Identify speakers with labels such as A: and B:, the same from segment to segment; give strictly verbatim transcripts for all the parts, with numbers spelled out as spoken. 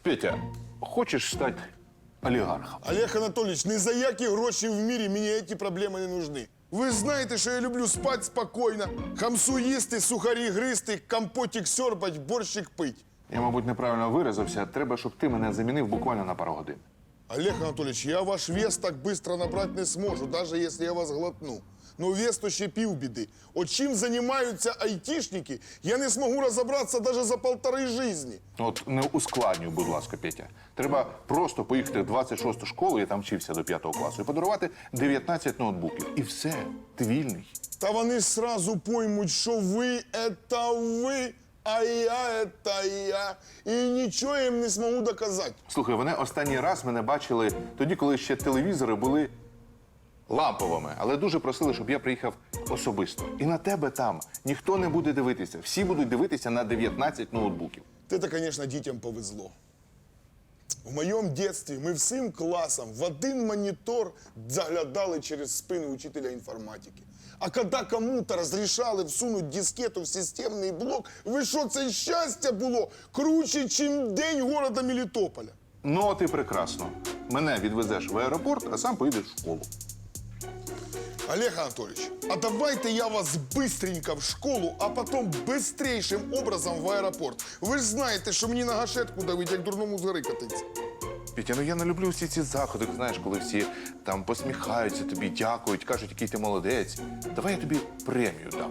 A: Петя, хочеш стати олігархом?
B: Олег Анатолійович, ні за які гроші в мірі мені ці проблеми не нужны. Ви знаєте, що я люблю спати спокійно, хамсу їсти, сухарі гристи, компотик сьорбать, борщик пить.
A: Я, мабуть, неправильно виразився. Треба, щоб ти мене замінив буквально на пару годин.
B: Олег Анатольевич, я ваш вес так быстро набрать не зможу, даже если я вас глотну. Ну, вес то ще півбіди. От чим займаються айтішники, я не зможу розібратися навіть за полтори житті.
A: От не ускладнюй, будь ласка, Петя. Треба просто поїхати в двадцять шосту школу, я там вчився до п'ятого класу, і подарувати дев'ятнадцять ноутбуків. І все, ти вільний.
B: Та вони сразу поймуть, що ви – це ви, а я – це я. І нічого їм не зможу доказати.
A: Слухай, вони останній раз мене бачили тоді, коли ще телевізори були ламповими, але дуже просили, щоб я приїхав особисто. І на тебе там ніхто не буде дивитися. Всі будуть дивитися на дев'ятнадцять ноутбуків.
B: Це, звісно, дітям повезло. В моєму дитинстві ми всім класом в один монітор заглядали через спину учителя інформатики. А коли кому-то розрішали всунути дискету в системний блок, ви що, це щастя було круче, ніж день города Мелітополя.
A: Ну, от і прекрасно. Мене відвезеш в аеропорт, а сам поїдеш в школу.
B: Олег Анатольевич, а давайте я вас быстренько в школу, а потом быстрейшим образом в аеропорт. Ви ж знаєте, що мені на гашетку давить, як дурному з гори катиться.
A: Петя, ну я не люблю всі ці заходи, знаєш, коли всі там посміхаються тобі, дякують, кажуть, який ти молодець. Давай я тобі премію дам.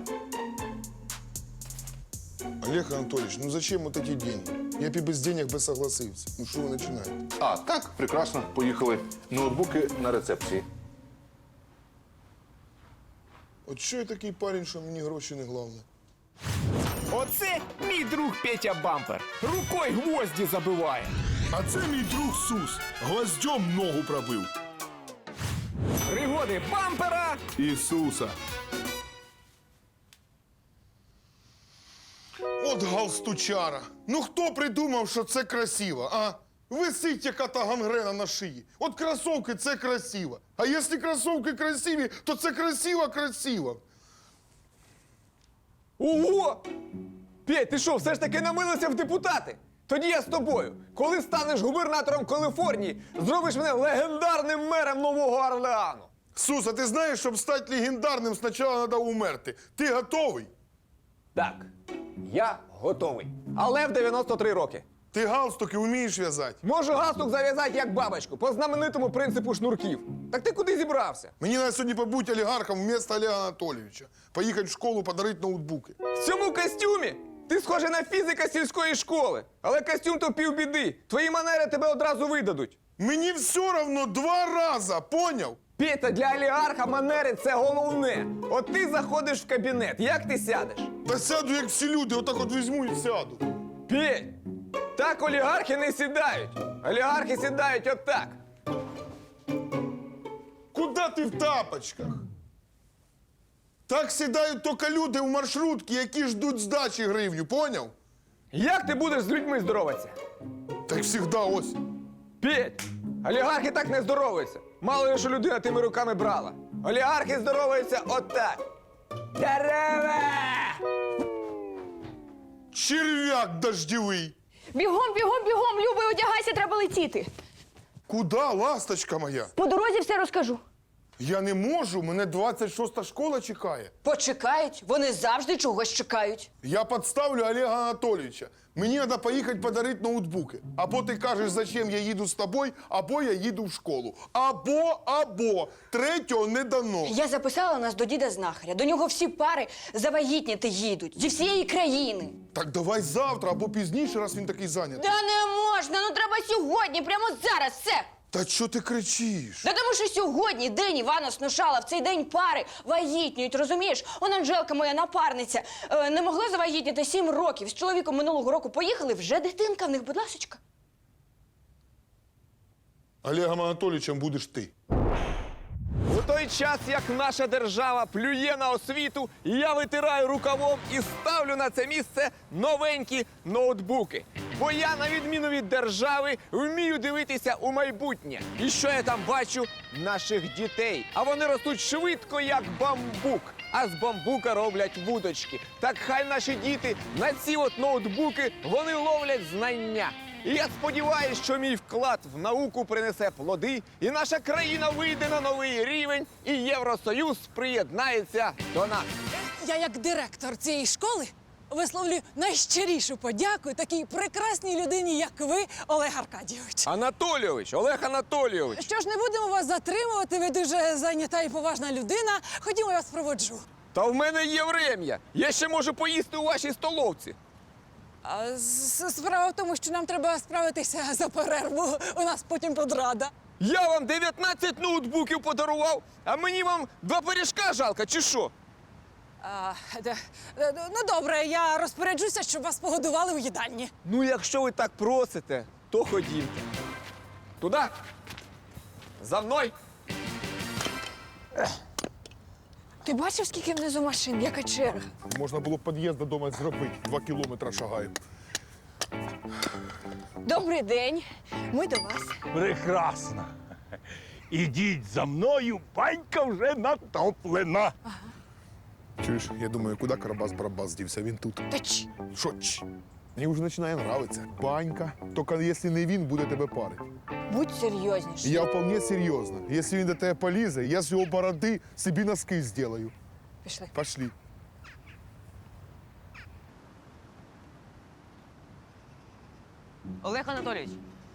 B: Олег Анатольевич, ну зачем вот эти деньги? Я б і без денег би согласився. Ну що ви починаєте?
A: А, так, прекрасно, поїхали. Ноутбуки на рецепції.
B: От що я такий парень, що мені гроші не головне?
C: Оце мій друг Петя Бампер. Рукою гвозді забиває.
D: А це мій друг Сус. Гвоздьом ногу пробив.
C: Пригоди бампера.
D: Ісуса.
B: От галстучара. Ну хто придумав, що це красиво, а? Висить яка-то гангрена на шиї. От кросовки – це красиво. А якщо кросовки красиві, то це красиво-красиво.
C: Ого! Петь, ти що, все ж таки намилився в депутати? Тоді я з тобою. Коли станеш губернатором Каліфорнії, зробиш мене легендарним мером Нового Орлеану.
B: Сус, а ти знаєш, щоб стати легендарним, спочатку треба умерти. Ти готовий?
C: Так, я готовий. Але в дев'яносто три роки.
B: Ти галстуки вмієш в'язати?
C: Можу галстук зав'язати як бабочку, по знаменитому принципу шнурків. Так ти куди зібрався?
B: Мені треба сьогодні побути олігархом вместо Олега Анатолійовича. Поїхати в школу, подарити ноутбуки.
C: В цьому костюмі? Ти схожий на фізика сільської школи. Але костюм то півбіди. Твої манери тебе одразу видадуть.
B: Мені все равно два рази, поняв?
C: Петя, для олігарха манери – це головне. От ти заходиш в кабінет, як ти сядеш?
B: Та сяду, як всі люди, отак от візьму і сяду.
C: Петь, так олігархи не сідають. Олігархи сідають отак.
B: Куда ти в тапочках? Так сідають тільки люди в маршрутки, які ждуть здачі гривню, поняв?
C: Як ти будеш з людьми здороватися?
B: Так завжди ось.
C: Петь, олігархи так не здоровуються. Мало ли, що людина тими руками брала. Олігархи здоровуються отак. Дерева!
B: Черв'як дождєвий.
E: Бігом, бігом, бігом, Любий, одягайся, треба летіти.
B: Куда, ласточка моя?
E: По дорозі все розкажу.
B: Я не можу, мене двадцять шоста школа чекає.
F: Почекають, вони завжди чогось чекають.
B: Я підставлю Олега Анатолійовича. Мені треба поїхати подарити ноутбуки. Або ти кажеш, зачем я їду з тобою, або я їду в школу. Або, або. Третього не дано.
F: Я записала нас до діда знахаря. До нього всі пари завагітніти їдуть зі всієї країни.
B: Так давай завтра або пізніше, раз він такий зайнятий.
F: Да не можна, ну треба сьогодні, прямо зараз, все.
B: Та що ти кричиш?
F: Да тому що сьогодні день Івана Снушала, в цей день пари вагітнюють, розумієш? Он Анжелка, моя напарниця, е, не могла завагітніти сім років. З чоловіком минулого року поїхали, вже дитинка в них, будь ласочка.
B: Олегом Анатолійовичем будеш ти.
C: У той час, як наша держава плює на освіту, я витираю рукавом і ставлю на це місце новенькі ноутбуки. Бо я, на відміну від держави, вмію дивитися у майбутнє. І що я там бачу? Наших дітей. А вони ростуть швидко, як бамбук. А з бамбука роблять вудочки. Так хай наші діти на ці от ноутбуки, вони ловлять знання. І я сподіваюся, що мій вклад в науку принесе плоди, і наша країна вийде на новий рівень, і Євросоюз приєднається до нас.
G: Я, як директор цієї школи, висловлю найщирішу подяку такій прекрасній людині, як ви, Олег Аркадійович.
C: Анатолійович, Олег Анатолійович.
G: Що ж, не будемо вас затримувати, ви дуже зайнята і поважна людина. Ходімо, я вас проводжу.
C: Та в мене є врем'я. Я ще можу поїсти у вашій столовці.
G: А с- справа в тому, що нам треба справитися за перерву. У нас потім подрада.
C: Я вам дев'ятнадцять ноутбуків подарував, а мені вам два пиріжка жалко, чи що?
G: А, де- де- ну, добре, я розпоряджуся, щоб вас погодували у їдальні.
C: Ну, якщо ви так просите, то ходімте. Туди. За мною.
E: Ти бачив, скільки внизу машин, яка черга?
D: Можна було під'їзд додому зробити. Два кілометри шагаю.
E: Добрий день. Ми до вас.
H: Прекрасно. Ідіть за мною, банька вже натоплена.
D: Чуєш, я думаю, куди Карабас-Барабас дівся? Він тут.
E: Та ч.
D: Що ч? Мені вже починає нравитися. Банька. Тільки якщо не він, буде тебе парити.
E: Будь серйозніше.
D: Я вполне серйозно. Якщо він до тебе полізе, я з його бороди собі носки зроблю.
E: Пішли.
D: Пошли.
I: Олег Анатолійович.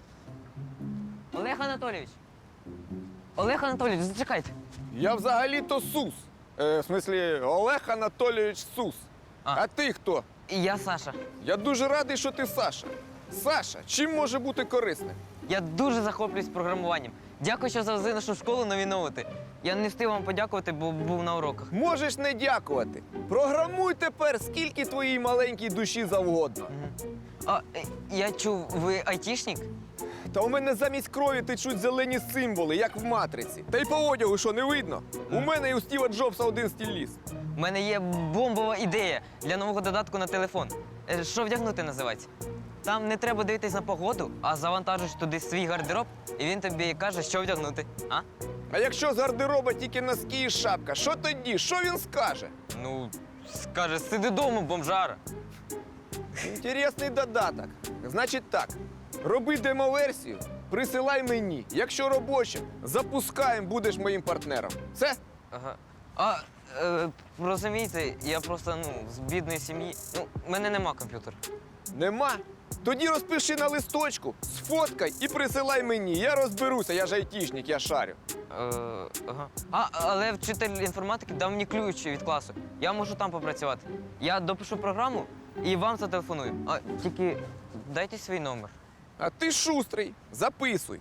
I: Олег Анатолійович. Олег Анатолійович, зачекайте.
C: Я взагалі-то Сус. Е, в смислі, Олег Анатолійович Сус. А.
I: А.
C: а ти хто?
I: І я Саша.
C: Я дуже радий, що ти Саша. Саша, чим може бути корисним?
I: Я дуже захоплююсь програмуванням. Дякую, що завезли нашу школу нові ноути. Я не встиг вам подякувати, бо був на уроках.
C: Можеш не дякувати. Програмуй тепер, скільки твоїй маленькій душі завгодно.
I: А е, я чув, ви айтішник?
C: Та у мене замість крові течуть зелені символи, як в матриці. Та й по одягу, що не видно? У мене і у Стіва Джобса один стіль ліс.
I: У мене є бомбова ідея для нового додатку на телефон. Е, Що вдягнути називається? Там не треба дивитись на погоду, а завантажиш туди свій гардероб, і він тобі каже, що вдягнути. А?
C: А якщо з гардероба тільки носки і шапка, що тоді? Що він скаже?
I: Ну, скаже, сиди дома, бомжара.
C: Інтересний додаток. Значить так, роби демоверсію, присилай мені. Якщо робоча, запускаємо, будеш моїм партнером. Все?
I: Ага. А, е, розумієте, я просто, ну, з бідної сім'ї. Ну, в мене нема комп'ютера.
C: Нема? Тоді розпиши на листочку, сфоткай і присилай мені. Я розберуся, я ж айтішник, я шарю.
I: Е, ага. А, але вчитель інформатики дав мені ключ від класу. Я можу там попрацювати. Я допишу програму і вам зателефоную. А тільки дайте свій номер.
C: А ти шустрий, записуй.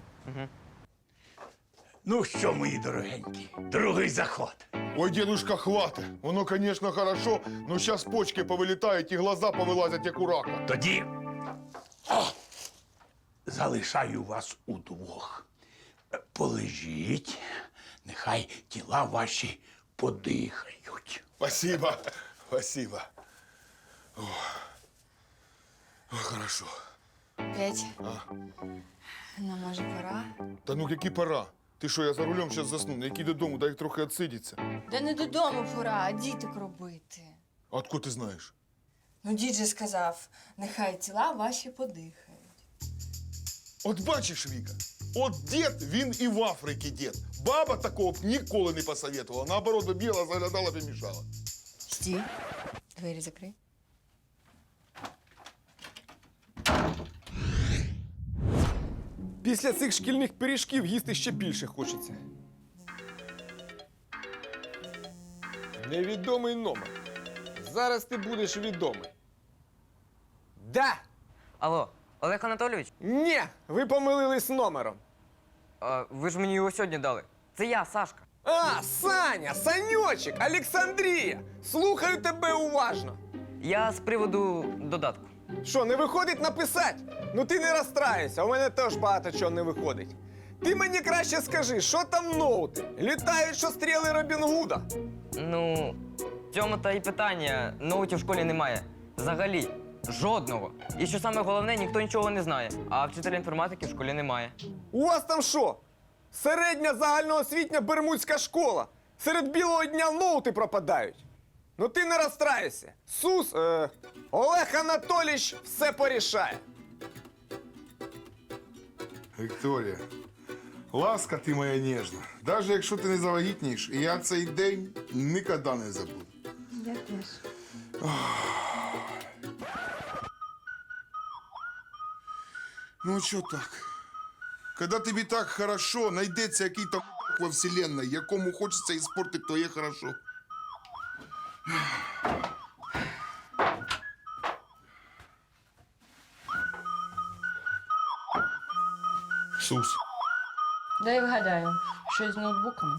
H: Ну що, мої дорогенькі, другий заход.
D: Ой, дедушка, хватит. Воно, конечно, хорошо, но сейчас почки повилітають і глаза повилазять, як у рака.
H: Тоді о, залишаю вас удвох. Е, Полежіть, нехай тіла ваші подихають.
D: Спасибо, спасибо. О, О, хорошо.
F: Петь, ну, може, пора?
D: Та ну які пора? Ти що, я за рулем зараз засну, не який додому, дай трохи відсидіться.
F: Да не додому пора, а діток робити.
D: А откуда ти знаєш?
F: Ну, дід же сказав, нехай тіла ваші подихають.
D: От бачиш, Віка, от дід, він і в Африці дід. Баба такого б ніколи не посоветувала. Наоборот, би біла, заглядала б і мішала.
F: Стій, двері закрий.
C: Після цих шкільних пиріжків їсти ще більше хочеться. Невідомий номер. Зараз ти будеш відомий. Да!
I: Алло, Олег Анатолійович,
C: Ні, ви помилились номером.
I: а, ви ж мені його сьогодні дали. Це я, Сашка.
C: А, Саня, Саньочек, Олександрія. Слухаю тебе уважно.
I: Я з приводу додатку.
C: Що, не виходить написати? Ну ти не розстраюйся, у мене теж багато чого не виходить. Ти мені краще скажи, що там ноути? Літають, що стріли Робін Гуда.
I: Ну, в цьому та й питання. Ноутів в школі немає. Взагалі, жодного. І що саме головне, ніхто нічого не знає. А вчителя інформатики в школі немає.
C: У вас там що? Середня загальноосвітня бермудська школа. Серед білого дня ноути пропадають. Ну ти не розстраюйся. Сус, е, Олег Анатолійович все порішає.
D: Вікторія, ласка ти моя ніжна. Навіть якщо ти не завагітнієш, я цей день ніколи не забуду.
E: Я теж.
D: Ну, а що так? Коли тобі так хорошо, знайдеться який-то м***к во вселенной, якому хочеться іспортити твоє хорошо. Сус.
F: Дай вгадаю, щось з ноутбуками.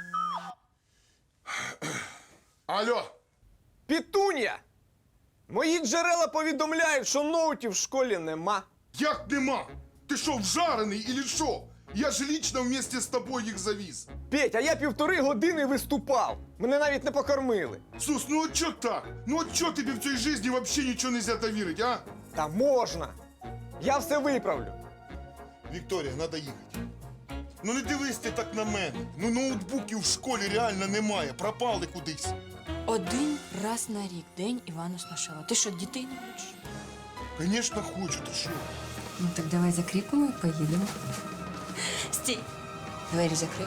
D: Алло,
C: Пітун'я! Мої джерела повідомляють, що ноутів в школі нема.
D: як нема? Ти що, вжарений или що? Я ж лично вместе з тобою їх завіз.
C: Петь, а я півтори години виступав. Мене навіть не покормили.
D: Сус, ну от чо так? Ну от чо тобі в цій житті взагалі нічого нельзя довірити, а?
C: Та можна. Я все виправлю.
D: Вікторія, треба їхати. Ну не дивись ти так на мене. Ну ноутбуків в школі реально немає, пропали кудись.
F: Один раз на рік день Івана Сношила. Ти що, дітей не хочеш?
D: Звісно, хочу, ти що?
E: Ну так давай закріпимо і поїдемо.
F: Стій. Двері закрий.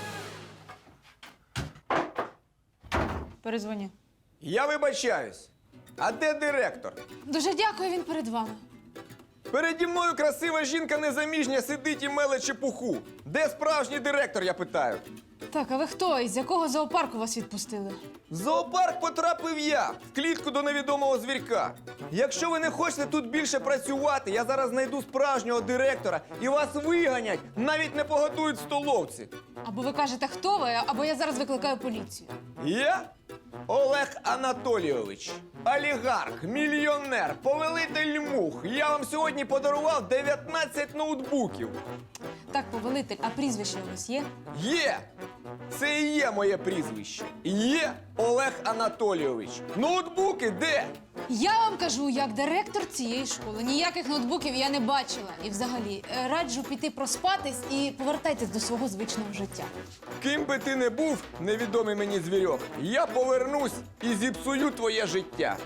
G: Перезвоню.
C: Я вибачаюсь. А де директор?
G: Дуже дякую, він перед вами.
C: Переді мною красива жінка незаміжня сидить і меле чепуху. Де справжній директор, я питаю?
G: Так, а ви хто? Із якого зоопарку вас відпустили?
C: В зоопарк потрапив я, в клітку до невідомого звірка. Якщо ви не хочете тут більше працювати, я зараз знайду справжнього директора і вас виганять, навіть не погодують в столовці.
G: Або ви кажете, хто ви, або я зараз викликаю поліцію.
C: Я? Олег Анатолійович, олігарх, мільйонер, повелитель мух. Я вам сьогодні подарував дев'ятнадцять ноутбуків.
G: Так, повелитель, а прізвище у вас є?
C: Є! Це і є моє прізвище. Є Олег Анатолійович. Ноутбуки де?
G: Я вам кажу, як директор цієї школи. Ніяких ноутбуків я не бачила. І взагалі, е, раджу піти проспатись і повертайтесь до свого звичного життя.
C: Ким би ти не був, невідомий мені звірьок, я повернусь і зіпсую твоє життя.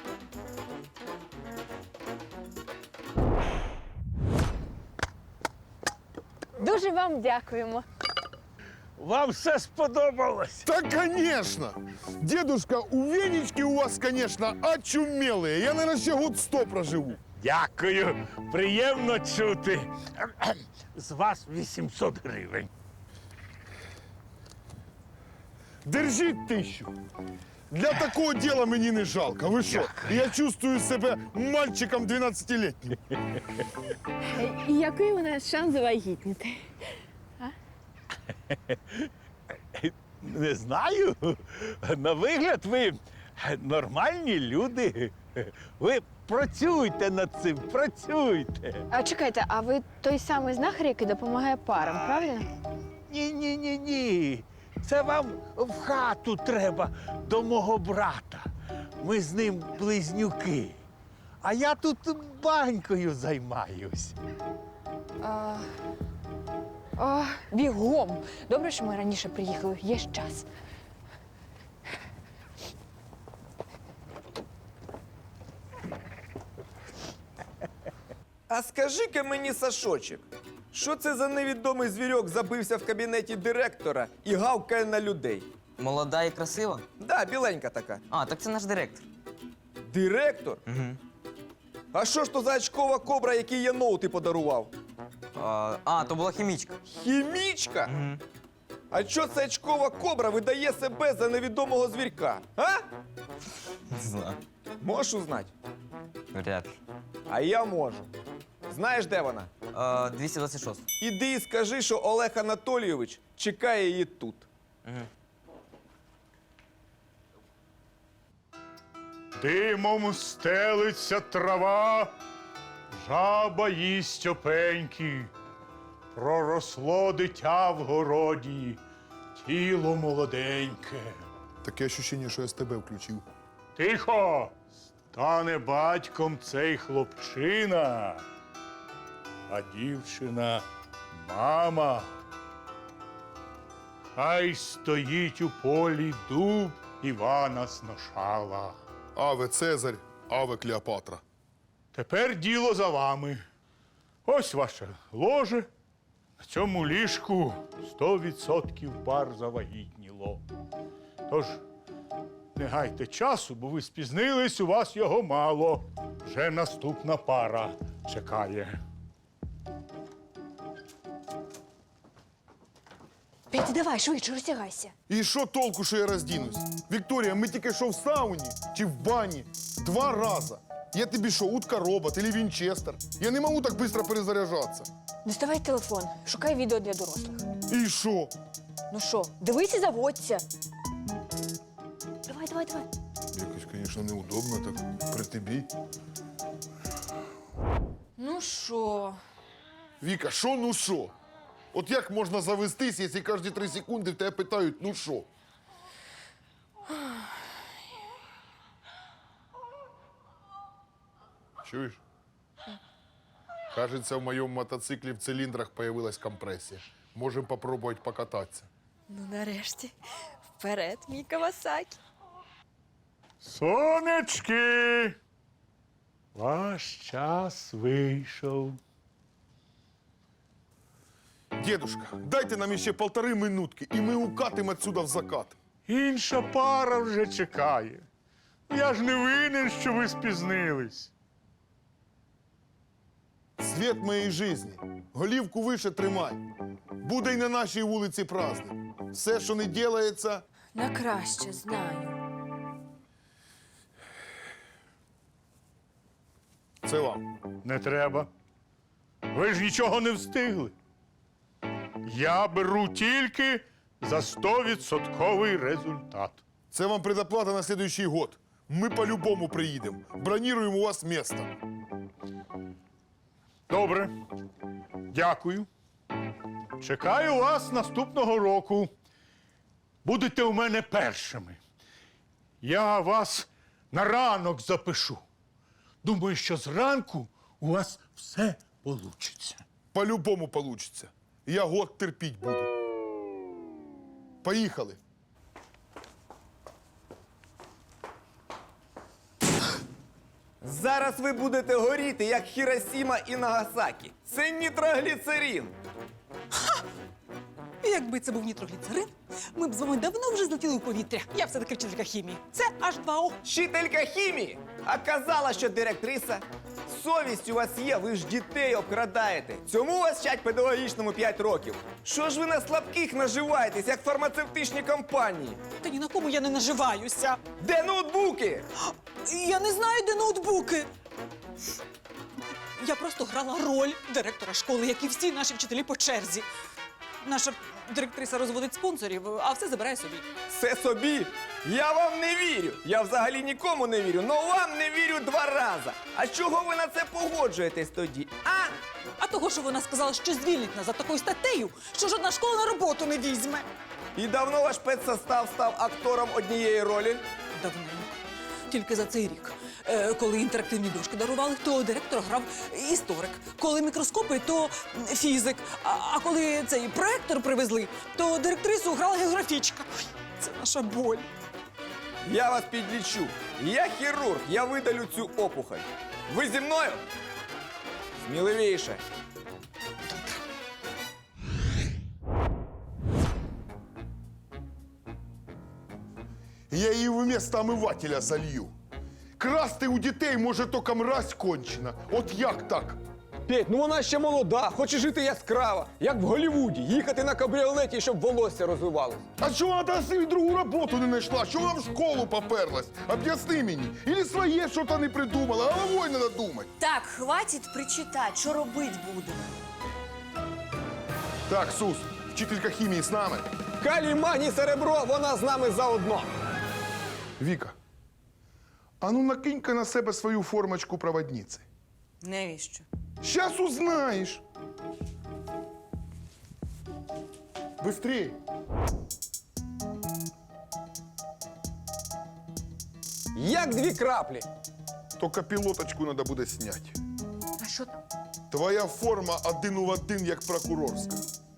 E: Дуже вам дякуємо.
H: Вам все сподобалось?
D: Да, конечно! Дедушка, у Венечки у вас, конечно, очумелые. Я, наверное, ще год сто проживу.
H: Дякую, приємно чути. З вас вісімсот гривень.
D: Держіть тисячу. Для такого діла мені не жалко. Ви що? Я чувствую себе мальчиком дванадцятилітнім.
E: І який у нас шанс завагітніти?
H: Не знаю. На вигляд ви нормальні люди. Ви працюйте над цим, працюйте.
E: А чекайте, а ви той самий знахар, який допомагає парам, правильно?
H: Ні, ні, ні, ні. Це вам в хату треба до мого брата. Ми з ним близнюки. А я тут банькою займаюсь.
E: А, а, бігом. Добре, що ми раніше приїхали. Є ж час.
C: А скажи-ка мені, Сашочек, що це за невідомий звірьок забився в кабінеті директора і гавкає на людей?
I: Молода і красива?
C: Да, біленька така.
I: А, так це наш директор.
C: Директор?
I: Угу.
C: А що ж то за очкова кобра, який я ноути подарував?
I: А, а, то була хімічка.
C: Хімічка?
I: Угу.
C: А що це очкова кобра видає себе за невідомого звірка? А?
I: Не знаю.
C: Можеш узнати?
I: Вряд ли.
C: А я можу. Знаєш, де вона?
I: А, двісті двадцять шість.
C: Іди і скажи, що Олег Анатолійович чекає її тут.
I: Угу.
J: Димом стелиться трава, жаба їсть опеньки. Проросло дитя в городі, тіло молоденьке.
D: Таке ощущення, що я з тебе включив.
J: Тихо! Стане батьком цей хлопчина, а дівчина мама. Хай стоїть у полі дуб Івана Сношала.
D: Аве Цезарь, аве Клеопатра.
J: Тепер діло за вами. Ось ваше ложе, На цьому ліжку сто відсотків пар завагітніло. Тож не гайте часу, бо ви спізнились, у вас його мало. Вже наступна пара чекає.
F: Петя, давай, швидше, розтягайся.
B: І що толку, що я роздінусь? Вікторія, ми тільки що в сауні чи в бані два рази. Я тобі що, утка-робот или Вінчестер? Я не можу так швидко перезаряджатися.
F: Доставай телефон, шукай відео для дорослих.
B: І що?
F: Ну що, дивись і заводься. Давай, давай, давай.
B: Якось, звісно, неудобно так при тобі.
E: Ну що?
B: Віка, що ну що? От як можна завестись, якщо кожні три секунди в тебе питають, ну що? Чуєш? Кажется, в моєму мотоциклі в циліндрах появилась компресія. Можемо попробувати покататися.
F: Ну, нарешті. Вперед, мій Кавасакі.
J: Сонечки! Ваш час вийшов.
B: Дедушка, дайте нам ще полтори минутки, і ми укатимо отсюда в закат.
J: Інша пара вже чекає. Я ж не винен, що ви спізнились.
B: Світ моєї житті. Голівку вище тримай. Буде й на нашій вулиці праздник. Все, що не ділається,
F: На краще, знаю.
B: це вам.
J: Не треба. Ви ж нічого не встигли. Я беру тільки за стовідсотковий результат.
B: Це вам предоплата на следующий год. Ми по-любому приїдемо. Броніруємо у вас місто.
J: Добре. Дякую. Чекаю вас наступного року. Будете у мене першими. Я вас на ранок запишу. Думаю, що зранку у вас все получиться.
B: По-любому получиться. Я год терпіть буду. Поїхали.
C: Зараз ви будете горіти, як Хіросіма і Нагасакі. Це нітрогліцерин.
K: Якби це був нітрогліцерин, ми б з вами давно вже злетіли у повітря. Я все-таки вчителька хімії. Це аш два о.
C: Вчителька хімії. А казала, що директриса. Совість у вас є, ви ж дітей обкрадаєте. Цьому вас вчать педагогічному п'ять років. Що ж ви на слабких наживаєтесь, як фармацевтичні компанії?
K: Та ні на кому я не наживаюся.
C: Де ноутбуки?
K: Я не знаю, де ноутбуки. Я просто грала роль директора школи, як і всі наші вчителі по черзі. Наша директриса розводить спонсорів, а все забирає собі.
C: Все собі? Я вам не вірю. Я взагалі нікому не вірю, но вам не вірю два рази. А чого ви на це погоджуєтесь тоді? А?
K: А того, що вона сказала, що звільнить нас за такою статтею, що жодна школа на роботу не візьме.
C: І давно ваш педсостав став актором однієї ролі?
K: Давненько. Тільки за цей рік. Е, коли інтерактивні дошки дарували, то директор грав історик. Коли мікроскопи, то фізик. А, а коли цей проектор привезли, то директрису грала географічка. Ой, це наша боль.
C: Я вас підлічу. Я хірург, я видалю цю опухоль. Ви зі мною? Сміливіше.
B: Я її вместо омивателя залью. Красти у дітей може тільки мразь кончена. От як так?
C: Петь, ну вона ще молода, хоче жити яскраво, як в Голлівуді, їхати на кабріолеті, щоб волосся розвивалось.
B: А чого вона та собі другу роботу не знайшла? Чого вона в школу поперлась? Об'ясни мені. Ілі своє щось не придумала, головою треба думати.
F: Так, хватить причитати, що робити будемо.
B: Так, Сус, вчителька хімії з нами.
C: Калій, магній, серебро, вона з нами заодно.
B: Віка, а ну накинь-ка на себе свою формочку проводниці.
K: Навіщо?
B: Сейчас узнаешь. Быстрей.
C: Як дві краплі.
B: Только пілоточку надо буде снять.
F: А що там?
B: Твоя форма один у один, як прокурорська.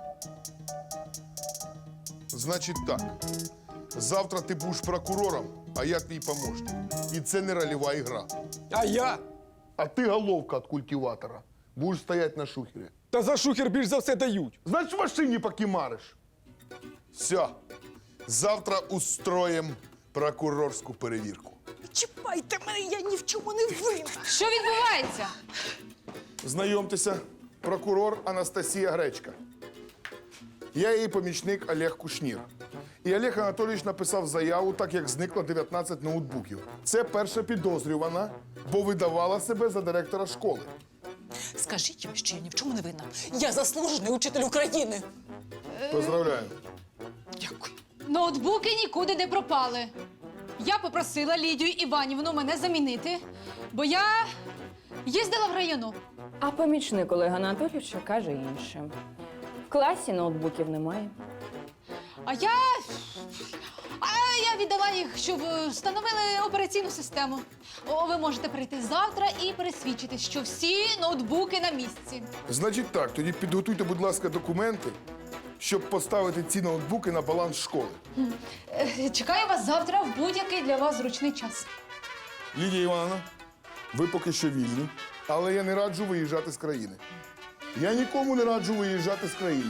B: Значить так. Завтра ти будеш прокурором, а я твій помощник. І це не рольова ігра.
C: А я?
B: А ти головка від культиватора. Будеш стоять на шухері.
C: Та за шухер більш за все дають.
B: Значить, в машині покимариш. Все. Завтра устроїм прокурорську перевірку.
K: Чіпайте мене, я ні в чому не винна.
G: Що відбувається?
B: Знайомтеся, прокурор Анастасія Гречка. Я її помічник Олег Кушнір. І Олег Анатолійович написав заяву, так як зникло дев'ятнадцять ноутбуків. Це перша підозрювана, бо видавала себе за директора школи.
K: Скажіть їм, що я ні в чому не винна. Я заслужений учитель України.
B: Поздравляю.
K: Дякую.
G: Ноутбуки нікуди не пропали. Я попросила Лідію Іванівну мене замінити, бо я їздила в району.
F: А помічник Олега Анатолійовича каже інше. В класі ноутбуків немає.
G: А я. А я віддала їх, щоб е, встановили операційну систему. О, ви можете прийти завтра і пересвідчити, що всі ноутбуки на місці.
B: Значить так, тоді підготуйте, будь ласка, документи, щоб поставити ці ноутбуки на баланс школи.
G: Е, Чекаю вас завтра в будь-який для вас зручний час.
B: Лідія Івановна, ви поки що вільні, але я не раджу виїжджати з країни. Я нікому не раджу виїжджати з країни.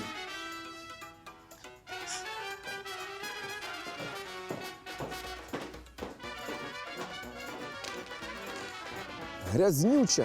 C: Грязнюча.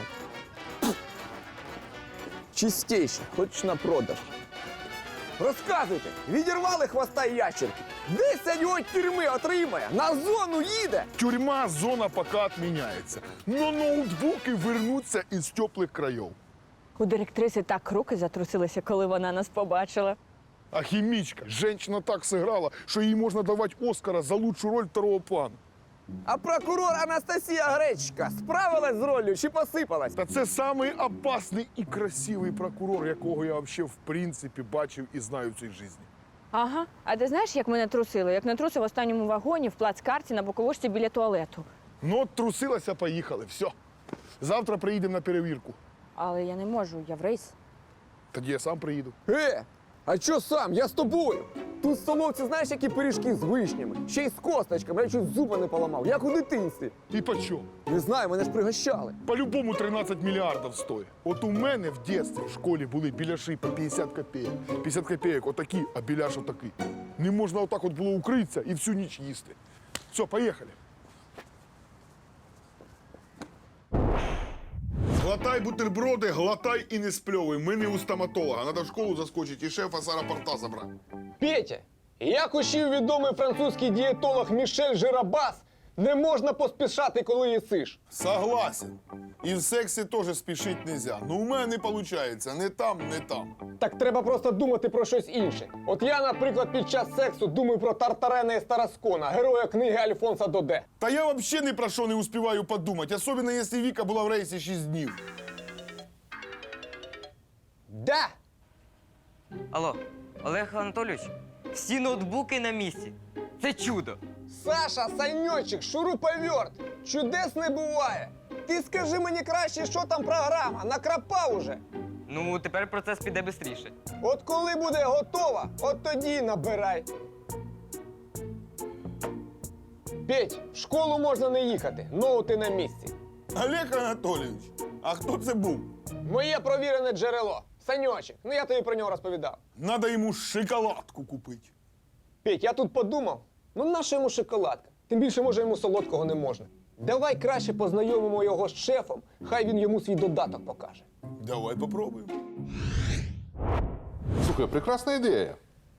C: Чистейша, хоч на продаж. Розказуйте, відірвали хвоста і ящерки. Десять років тюрми отримає, на зону їде.
B: Тюрма, зона поки відміняється. Но ноутбуки вернуться із теплих країв.
F: У директриси так руки затрусилися, коли вона нас побачила.
B: А хімічка, жінка так зіграла, що їй можна давати Оскара за лучшу роль второго плану.
C: А прокурор Анастасія Гречка справилась з роллю чи посипалась?
B: Та це самий опасний і красивий прокурор, якого я взагалі в принципі бачив і знаю в цій житті.
F: Ага. А ти знаєш, як мене трусили? Як не трусив в останньому вагоні в плацкарті на боковушці біля туалету.
B: Ну, от трусилася, поїхали, все. Завтра приїдемо на перевірку.
F: Але я не можу, я в рейс.
B: Тоді я сам приїду.
C: Е, а чо сам? Я з тобою. Тут в столовці знаєш, які пиріжки з вишнями? Ще й з косточками, я чуть зуба не поламав, як у дитинстві.
B: І по чому?
C: Не знаю, мене ж пригощали.
B: По-любому тринадцять мільярдів стоїть. От у мене в дитинстві в школі були біляші по п'ятдесят копійок. п'ятдесят копійок отакі, а біляш отакий. Не можна отак от було укритися і всю ніч їсти. Все, поїхали. Глотай бутерброди, глотай і не спльовуй. Ми не у стоматолога. Надо в школу заскочити і шефа з аеропорта забрати.
C: Петя, як учив відомий французький дієтолог Мішель Жирабас, не можна поспішати, коли їсиш.
B: Согласен. І в сексі теж спішити нельзя. Ну у мене не виходить. Не там, не там.
C: Так треба просто думати про щось інше. От я, наприклад, під час сексу думаю про Тартарена і Стараскона, героя книги Альфонса Доде.
B: Та я взагалі ні про що не успіваю подумати, особливо, якщо Віка була в рейсі шість днів.
C: Да!
I: Алло, Олег Анатолійович, всі ноутбуки на місці. Це чудо.
C: Саша, Саньочек, шуруповерт, чудес не буває. Ти скажи мені краще, що там програма, накрапав уже.
I: Ну, тепер процес піде швидше.
C: От коли буде готова, от тоді й набирай. Петь, в школу можна не їхати, ноути на місці.
B: Олег Анатолійович, а хто це був?
C: Моє провірене джерело. Саньочек, ну я тобі про нього розповідав.
B: Надо йому шоколадку купити.
C: Петь, я тут подумав, ну наша йому шоколадка? Тим більше, може, йому солодкого не можна. Давай краще познайомимо його з шефом, хай він йому свій додаток покаже.
B: Давай попробуємо.
A: Слухай, прекрасна ідея.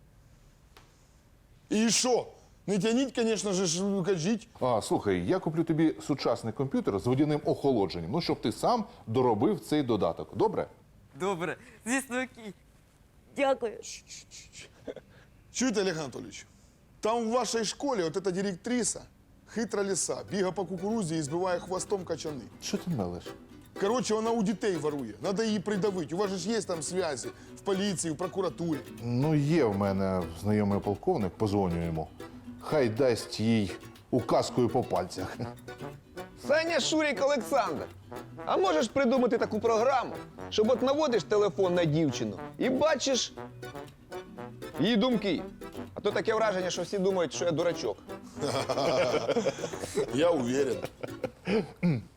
B: І що? Не тяніть, звісно ж, кажіть.
A: А, слухай, я куплю тобі сучасний комп'ютер з водяним охолодженням, ну, щоб ти сам доробив цей додаток. Добре?
I: Добре, звісно, окей. Дякую.
B: Чуєте, Олег Анатолійович? Там в вашій школі от эта директриса, хитра лиса, бігає по кукурузі і збиває хвостом качани.
A: Що ти мелеш?
B: Коротше, вона у дітей ворує. Надо її придавити. У вас же ж є там зв'язі в поліції, в прокуратурі.
A: Ну, є в мене знайомий полковник, позвоню йому. Хай дасть їй указкою по пальцях.
C: Саня Шурік Олександр, а можеш придумати таку програму, щоб от наводиш телефон на дівчину і бачиш її думки. А то таке враження, що всі думають, що я дурачок.
B: Я уверен.